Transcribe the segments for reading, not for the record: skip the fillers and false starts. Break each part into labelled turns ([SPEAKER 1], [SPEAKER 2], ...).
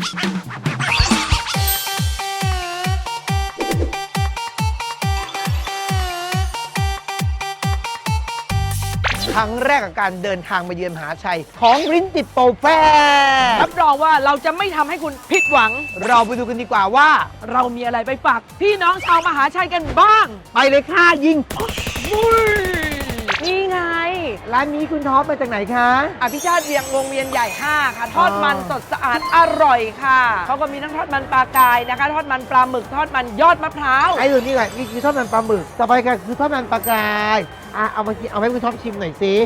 [SPEAKER 1] ครั้งแรกกับการเดินทางมาเยือนมหาชัยของริ้นติดโปรแฟร์
[SPEAKER 2] รับรองว่าเราจะไม่ทำให้คุณผิดหวัง
[SPEAKER 1] เราไปดูกันดีกว่าว่า
[SPEAKER 2] เรามีอะไรไปฝากพี่น้องชาวมหาชัยกันบ้าง
[SPEAKER 1] ไปเลยค่ะยิง
[SPEAKER 2] นี่ไง
[SPEAKER 1] ร้านนี้คุณท็อปมาจากไหนคะ
[SPEAKER 2] อภิชาติเวียงวงเวียนใหญ่ 5 ค่ะ ทอดมันสดสะอาดอร่อยค่ะ เขาก็มีทั้งทอดมันปลากายนะคะ ทอดมันปลาหมึก ทอดมันยอดมะพร้าว
[SPEAKER 1] ไอ้ตัวนี้ก่อนนี่คือทอดมันปลาหมึกต่อไปก็คือทอดมันปลากรายเอามากินเอาให้คุณท็อปชิมหน่อยสิ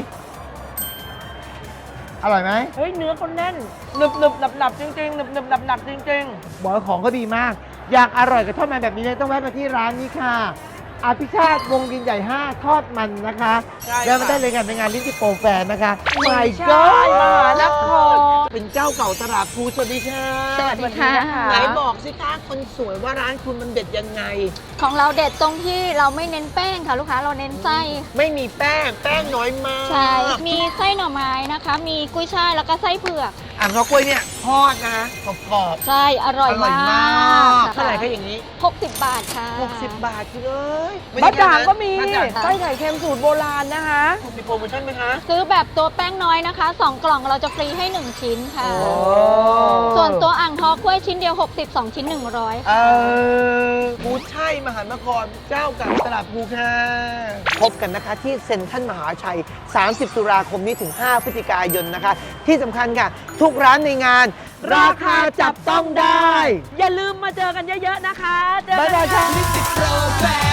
[SPEAKER 1] อร่อยไหม
[SPEAKER 2] เฮ้ย เนื้อเขาแน่นหนึบหนึบหนับหนับจริงๆหนึบหนึบหนับหนับจริง
[SPEAKER 1] บอกว่าของก็ดีมาก อยากอร่อยกับทอดมันแบบนี้เลยต้องแวะมาที่ร้านนี้ค่ะอภิชาติวงวินใหญ่ 5 ทอดมันนะคะ
[SPEAKER 2] ใช่ค่ะ
[SPEAKER 1] แล้วมาได้เลยกันในงานลิ้นติโปรแฟร์นะคะ
[SPEAKER 2] ๆ
[SPEAKER 1] My
[SPEAKER 2] ใช่
[SPEAKER 1] God
[SPEAKER 2] มหานคร
[SPEAKER 1] เป็นเจ้าเก่าตลาดภูสวัสดีค่ะ
[SPEAKER 3] สวัสดีค่ะ
[SPEAKER 1] ไหนบอกสิคะคนสวยว่าร้านคุณมันเด็ดยังไง
[SPEAKER 3] ของเราเด็ดตรงที่เราไม่เน้นแป้งค่ะลูกค้าเราเน้นไส้
[SPEAKER 1] ไม่มีแป้งน้อยมาก
[SPEAKER 3] ใช่ มีไส้หน่อไม้นะคะ มีกุ้ยช่ายแล้วก็ไส้เผือก
[SPEAKER 1] อ่างทองกล้วยเนี่ยทอดนะกรอบ
[SPEAKER 3] ใช่อร่อย
[SPEAKER 1] อร่อย
[SPEAKER 3] มาม
[SPEAKER 1] าก
[SPEAKER 3] ก
[SPEAKER 1] เท่าไหร่คะอย่างนี้
[SPEAKER 3] 60 บาทค่ะ
[SPEAKER 1] 60 บาทคุณเอ้ย
[SPEAKER 2] บะจ่างก็มี
[SPEAKER 1] บะจ่าง
[SPEAKER 2] ไส้ไข่เค็มสูตรโบราณนะคะ
[SPEAKER 1] มีโปรโมชั่นไหมคะ
[SPEAKER 3] ซื้อแบบตัวแป้งน้อยนะคะ 2 กล่องเราจะฟรีให้ 1 ชิ้นค่ะ
[SPEAKER 1] โอ้
[SPEAKER 3] ส่วนตัวอ่างทองกล้วยชิ้นเดียว 60 2 ชิ้น 100
[SPEAKER 1] ภูชัยมหานครเจ้าเก่าตลาดภูค่ะพบกันนะคะที่เซ็นทรัลมหาชัย 30 ตุลาคมนี้ถึง 5 พฤศจิกายนนะคะ ที่สำคัญค่ะ ทุกร้านในงาน ราคาจับต้องได้
[SPEAKER 2] อย่าลืมมาเจอกันเยอะๆนะคะเจอ
[SPEAKER 1] บ๊าย
[SPEAKER 2] กัน
[SPEAKER 1] บาย
[SPEAKER 2] ค่ะ
[SPEAKER 1] ค่ะ